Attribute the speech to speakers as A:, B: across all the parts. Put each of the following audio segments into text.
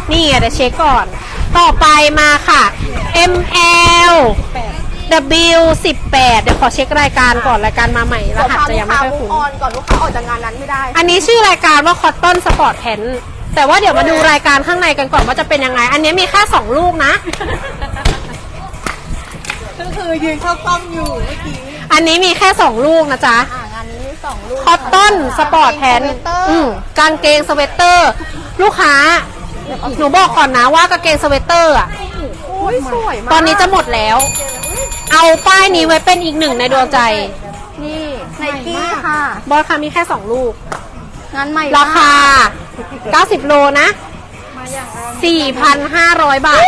A: นี่เดี๋ยวเช็คก่อนต่อไปมาค่ะ ML W18 เดี๋ยวขอเช็ครายการก่อนรายการมาใหม่รหัสจะยังไม่ค่อยคุ้น
B: ก่อนลูกค้าออกจากงานนั้นไม่ได้
A: อันนี้ชื่อรายการว่า Cotton Sport Pants แต่ว่าเดี๋ยวมาดูรายการข้างในกันก่อนว่าจะเป็นยังไงอันนี้มีแค่2ลูกนะ
B: ก็คือยืนเข้ากล้องอยู่เมื่อกี้
A: อันนี้มีแค่2ลูกนะจ๊ะ
B: งานนี้มี2ลูก
A: Cotton Sport Pants กางเกงสเวตเตอร์ลูกค้าหนูบอกก่อนนะว่ากางเกงสเวตเตอร์อ่ะ
B: สวยมาก
A: ตอนนี้จะหมดแล้วเอาป้ายนี้ไว้เป็นอีกหนึ่งในดวงใจ
B: นี่ไนกี้ค่ะ
A: บอสค่ะมีแค่2ลูก
B: งานใหม่
A: ราคา90โลนะ 4,500 บาท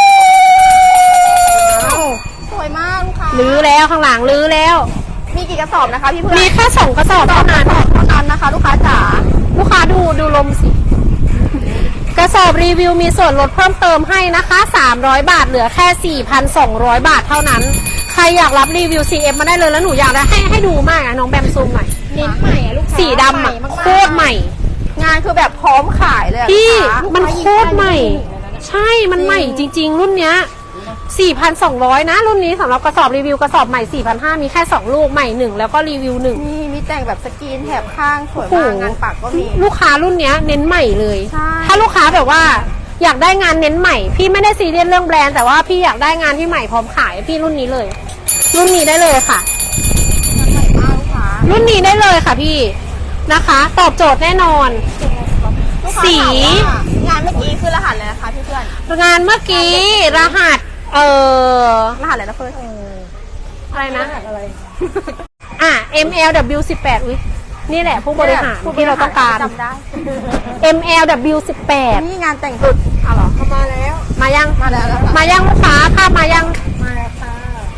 B: สวยมากลูกค้า
A: ลื้อแล้วข้างหลังลื้อแล้ว
B: มีกี่กระสอบนะคะพี่เพื่อน
A: มีแค่2กระสอบเท่านั้น
B: นะคะลูกค้าจ๋า
A: ลูกค้าดูลมสิกระสอบรีวิวมีส่วนลดเพิ่มเติมให้นะคะ300บาทเหลือแค่ 4,200 บาทเท่านั้นใครอยากรับรีวิว CF มาได้เลยแล้วหนูอยากได้ให้ดูมากอะน้องแบมซูมหน่อย
B: เน้นใหม่อะลูกค้า
A: สีดำอะโคตรใหม่
B: งานคือแบบพร้อมขายเลย
A: พี่มันโคตรใหม่ใช่มันใหม่จริงๆรุ่นเนี้ย4,200 นะรุ่นนี้สำหรับกระสอบรีวิวกระสอบใหม่ 4,500 มีแค่2ลูกใหม่1แล้วก็รีวิว1
B: นี่มีแต่งแบบสกรีนแถบข้างสวยมากงานปักก็มี
A: ลูกค้ารุ่นเนี้ยเน้นใหม่เลยถ้าลูกค้าแบบว่าอยากได้งานเน้นใหม่พี่ไม่ได้ซีเรียสเรื่องแบรนด์แต่ว่าพี่อยากได้งานที่ใหม่พร้อมขายพี่รุ่นนี้เลยรุ่นนี้ได้เลยค่ะรุ่นนี้ได้เลยค่ะพี่นะคะตอบโจทย์แน่นอนสี
B: งานเมื่อกี้คือรหัสอะไรนะคะพี่เพื่อน
A: งานเมื่อกี้รหัส
B: รหัสอะไรนะเพื่อน
A: อะไรนะMLW18 อุ๊ยนี่แหละผู้บริหารที่เราต้องการ MLW18
B: นี่งานแต่งสุด
A: เหรอ
B: เข้ามาแล้ว
A: มายัง
B: มาแล้ว
A: ลูกค้าภาพมายัง
B: มาแล้วค่ะ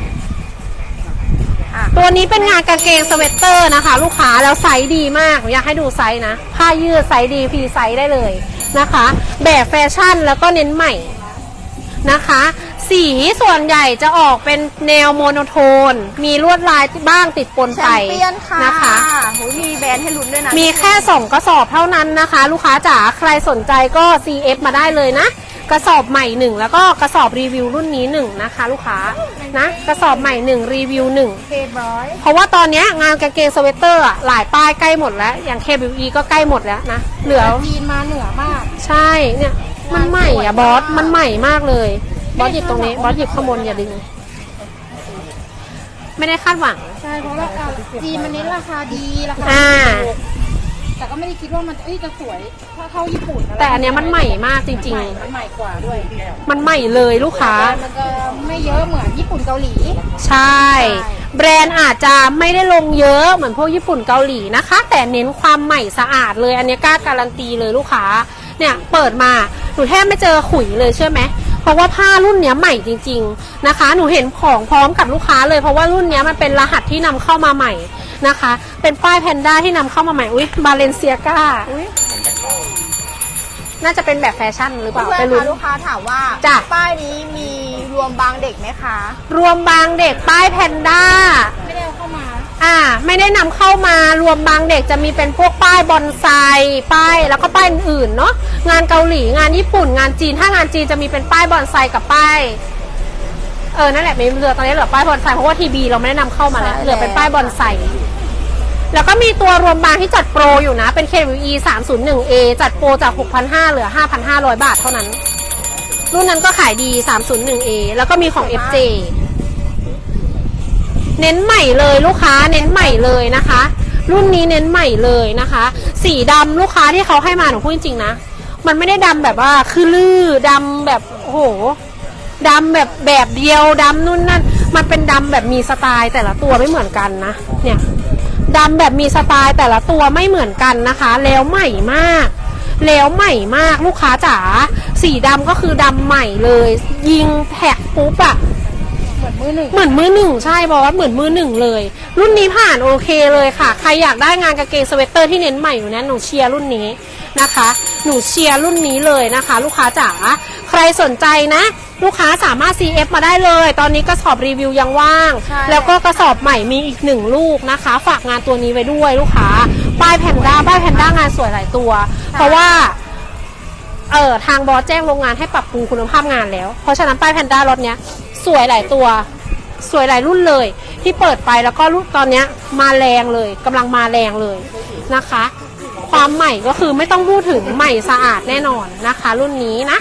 A: ตัวนี้เป็นงานกางเกงสเวตเตอร์นะคะลูกค้าแล้วไซส์ดีมากอยากให้ดูไซส์นะผ้ายืดไซส์ดีฟรีไซส์ได้เลยนะคะแบบแฟชั่นแล้วก็เน้นใหม่นะคะสีส่วนใหญ่จะออกเป็นแนวโมโนโทนมีลวดลายบ้างติดปนไป
B: นะคะมีแบรนด์ให้ลุ้นด้วยนะ
A: มีแค่2กระสอบเท่านั้นนะคะลูกค้าจ๋าใครสนใจก็ CF มาได้เลยนะกระสอบใหม่1แล้วก็กระสอบรีวิวรุ่นนี้1นะคะลูกค้านะกระสอบใหม่1รีวิว1เพราะว่าตอนนี้งานกางเกงสเวตเตอร์หลายป้ายใกล้หมดแล้วอย่าง KWE ก็ใกล้หมดแล้วนะเหลือ
B: จีนมาเหนือมาก
A: ใช่เนี่ยมันใหม่อะบอสมันใหม่มากเลยบอสหยิบตรงนี้บอสหยิบข้างบนอย่าดึงไม่ได้คาดหวัง
B: ใช่เพราะราคาจีนมันเน้นราคาดีราคาแต่ก็ไม่ได้คิดว่ามันจะสวยเท่าญี่ปุ่น
A: แต่อันเนี้ยมันใหม่มากจริง
B: ๆมันใหม่กว่าด้วย
A: มันใหม่เลยลูกค้า
B: มันจะไม่เยอะเหมือนญี่ปุ่นเกาหลี
A: ใช่แบรนด์อาจจะไม่ได้ลงเยอะเหมือนพวกญี่ปุ่นเกาหลีนะคะแต่เน้นความใหม่สะอาดเลยอันนี้กล้าการันตีเลยลูกค้าเนี่ยเปิดมาหนูแทบไม่เจอขุยเลยใช่ไหมเพราะว่าผ้ารุ่นเนี้ยใหม่จริงๆนะคะหนูเห็นของพร้อมกับลูกค้าเลยเพราะว่ารุ่นเนี้ยมันเป็นรหัสที่นำเข้ามาใหม่นะคะเป็นป้ายแพนด้าที่นำเข้ามาใหม่อุ๊ยบาเลนเซียก้าน่าจะเป็นแบบแฟชั่นหรือเปล่า
B: ไปลุ้นลูกค้าถามว่าป้ายนี้มีรวมบางเด็กไหมคะ
A: รวมบางเด็กป้ายแพนด้า
B: ไม่ได้เข้ามา
A: ไม่ได้นำเข้ามารวมบางเด็กจะมีเป็นพวกป้ายบอนไซป้ายแล้วก็ป้ายอื่นเนาะงานเกาหลีงานญี่ปุ่นงานจีนถ้างานจีนจะมีเป็นป้ายบอนไซกับป้ายนั่นแหละไม่เหลือตอนนี้เหลือป้ายบอนไซเพราะว่าทีบีเราไม่ได้นำเข้ามาแล้วเหลือเป็นป้ายบอนไซแล้วก็มีตัวรวมบางที่จัดโปรอยู่นะเป็น KWE 301A จัดโปรจาก 6,500 เหลือ 5,500 บาทเท่านั้นรุ่นนั้นก็ขายดี 301A แล้วก็มีของ FJ เน้นใหม่เลยลูกค้าเน้นใหม่เลยนะคะรุ่นนี้เน้นใหม่เลยนะคะสีดำลูกค้าที่เขาให้มาหนูพูดจริงๆนะมันไม่ได้ดำแบบว่าคือลื่อดำแบบโอ้โหดำแบบเดียวดำนู่นนั่นมันเป็นดำแบบมีสไตล์แต่ละตัวไม่เหมือนกันนะเนี่ยดำแบบมีสไตล์แต่ละตัวไม่เหมือนกันนะคะแล้วใหม่มากลูกค้าจ๋าสีดำก็คือดำใหม่เลยยิงแท็กปุ๊บอะเหมือนมือหนึ่งใช่บอสเหมือนมือหนึ่งเลยรุ่นนี้ผ่านโอเคเลยค่ะใครอยากได้งานกางเกงสเวตเตอร์ที่เน้นใหม่อยู่นะหนูเชียร์รุ่นนี้นะคะหนูเชียร์รุ่นนี้เลยนะคะลูกค้าจ๋าใครสนใจนะลูกค้าสามารถ CF มาได้เลยตอนนี้กระสอบรีวิวยังว่างแล้วก็กระสอบใหม่มีอีก1ลูกนะคะฝากงานตัวนี้ไว้ด้วยลูกค้าป้ายแพนด้างานสวยหลายตัวเพราะว่าทางบอสแจ้งโรงงานให้ปรับปรุงคุณภาพงานแล้วเพราะฉะนั้นป้ายแพนด้ารถเนี้ยสวยหลายตัวสวยหลายรุ่นเลยที่เปิดไปแล้วก็รุ่นตอนเนี้ยมาแรงเลยกำลังมาแรงเลยนะคะความใหม่ก็คือไม่ต้องพูดถึงใหม่สะอาดแน่นอนนะคะรุ่นนี้นะ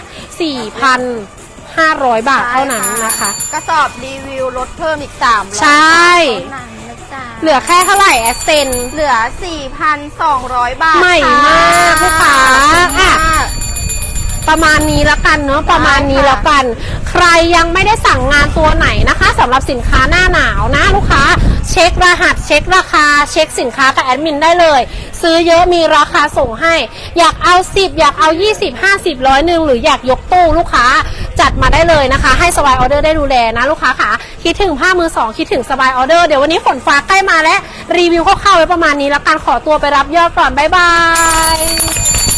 A: 4,500 บาทเท่านั้นนะคะ
B: กระสอบรีวิวลดเพิ่มอีก300
A: ใช่
B: เท่านั้นนะจ๊ะ
A: เหลือแค่เท่าไหร่แอสเซน
B: เหลือ 4,200 บาท
A: ใหม่มากลูกค้า
B: ค่ะ
A: อ่ะ ประมาณนี้แล้วกันเนาะประมาณนี้แล้วกัน ใครยังไม่ได้สั่งงานตัวไหนนะคะสำหรับสินค้าหน้าหนาวนะลูกค้าเช็ครหัสเช็คราคาเช็คสินค้ากับแอดมินได้เลยซื้อเยอะมีราคาส่งให้อยากเอา10อยากเอา20 50 100หรืออยากยกตู้ลูกค้าจัดมาได้เลยนะคะให้สบายออเดอร์ได้ดูแลนะลูกค้าค่ะคิดถึงผ้ามือสองคิดถึงสบายออเดอร์เดี๋ยววันนี้ฝนฟ้าใกล้มาแล้วรีวิวคร่าวๆไว้ประมาณนี้แล้วกันขอตัวไปรับยอดก่อนบ๊ายบาย